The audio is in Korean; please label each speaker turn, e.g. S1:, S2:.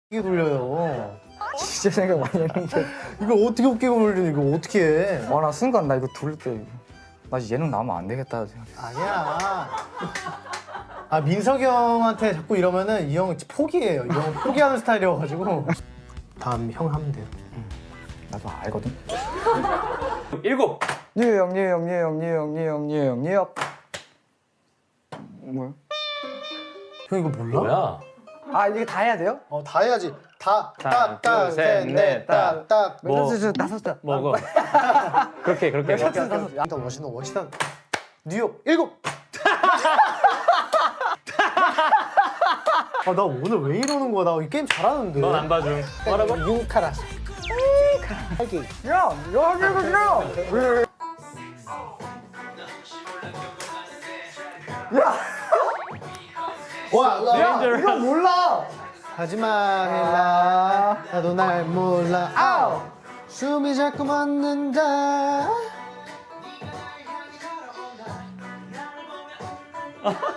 S1: 웃기게 돌려요.
S2: 진짜 생각 많이 했는데.
S1: 이걸 어떻게 웃기게 돌리는 이거 어떻게 해?
S2: 와, 나 순간 나 이거 돌릴 때 나 예능 나오면 안 되겠다 생각했어.
S1: 아니야. 아 민석이 형한테 자꾸 이러면은 이 형 포기해요. 이 형 포기하는 스타일이어가지고. 다음 형 하면 돼요.
S2: 나도 알거든.
S3: 7.
S2: 뉴욕 뭐야?
S1: 형 이거 몰라?
S3: 뭐야?
S2: 아, 이게 다 해야 돼요?
S1: 다 해야지.
S3: 하나, 둘, 셋, 넷,
S1: 딱딱셋넷딱
S3: 뭐.
S2: 다섯 자.
S3: 먹어. 그렇게.
S1: 일단 워싱턴 뉴욕 7. 아 나 오늘 왜 이러는 거야? 나 이 게임 잘하는데.
S3: 넌 안 봐줌. 뭐라고?
S1: 유카라. 할게.
S2: 야, 여기거든요.
S1: 와,
S2: 야, 이거 몰라.
S1: 하지마 헬라 나도 날 몰라 아우 숨이 자꾸 멎는다